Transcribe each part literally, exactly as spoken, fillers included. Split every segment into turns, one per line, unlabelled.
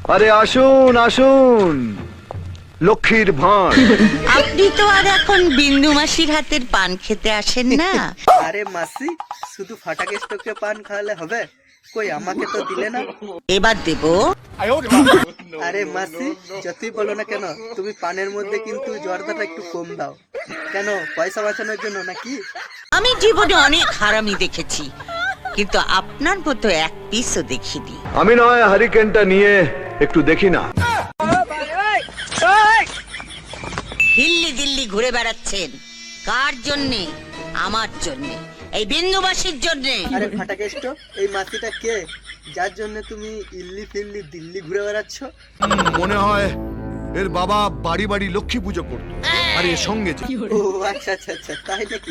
আরে আসুন আসুন, লক্ষ্মীর ভাঁড়।
আপনি তো আর এখন বিন্দু মাসির হাতের পান খেতে আসেন না।
আরে মাসি, শুধু ফাটা কেষ্টকে পান খাওয়ালে হবে? কই আমাকে তো দিলে না।
এবার দেব।
আরে মাসি, যতই বলো না কেন, তুমি পানের মধ্যে কিন্তু জর্দাটা একটু কম দাও। কেন, পয়সা বাঁচানোর জন্য নাকি?
আমি জীবনে অনেক হারামি দেখেছি, কিন্তু আপনার মতো এক পিসও দেখিনি।
আমি নয় হারিকেনটা নিয়ে একটু দেখি না।
হিল্লি দিল্লি ঘুরে বেড়াচ্ছেন কার জন্যে? আমার জন্যে, এই বিন্দুবাসীর জন্যে।
আরে ফাটা কেষ্ট, এই মাসিটা কে যার জন্য তুমি ইল্লি ফিল্লি দিল্লি ঘুরে বেড়াচ্ছ?
মনে হয় এর বাবা বাড়ি বাড়ি লক্ষ্মী পুজো করত, আর এর সঙ্গে যে
ও আচ্ছা আচ্ছা আচ্ছা, তাই নাকি?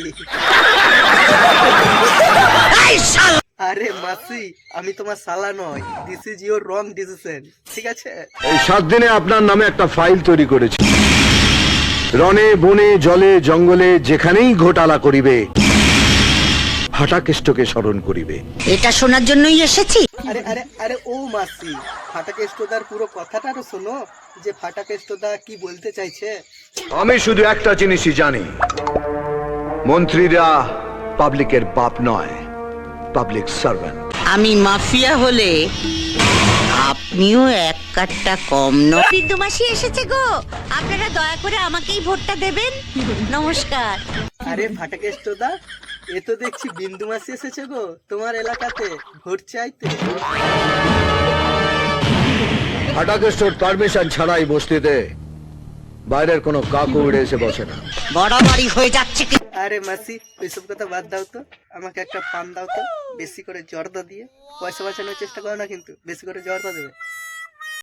এই শালা!
আরে মাসি, আমি তোমার সালা নয়, this is your wrong decision, ঠিক আছে?
এই সাত দিনে আপনার নামে একটা ফাইল তৈরি করেছি। রনে বনে জলে জঙ্গলে যেখানেই ঘোটালা করিবে, ফাটাকেষ্টকে স্মরণ করিবে।
এটা শোনার জন্যই এসেছি।
আরে আরে আরে ও মাসি, ফাটা কেষ্টদার পুরো কথাটা তো শোনো, যে ফাটা কেষ্টদা কি বলতে চাইছে।
আমি শুধু একটা জিনিসই জানি, মন্ত্রীরা পাবলিকের বাপ নয়, পাবলিক সার্ভেন্ট।
আমি মাফিয়া হলে আপনিও এক কাঠটা কম নয়। বিন্দু মাসি এসেছে গো, আপনারা দয়া করে আমাকেই ভোটটা দেবেন। নমস্কার।
আরে ফাটা কেষ্টদা, এ তো দেখছি বিন্দু মাসি এসেছে গো তোমার এলাকাতে ভোট চাইতে।
ফাটাকেষ্টর পারমিশন ছাড়াই বস্তিতে বাইরের কোনো কাকু উড়ে এসে বসে না।
বাড়াবাড়ি হয়ে যাচ্ছে কি?
আরে মাসি, ওইসব কথা বাদ দাও তো, আমাকে একটা পান দাও তো, বেশি করে জর্দা দিয়ে। পয়সা বাঁচানোর চেষ্টা করো না কিন্তু, বেশি করে জর্দা দেবে।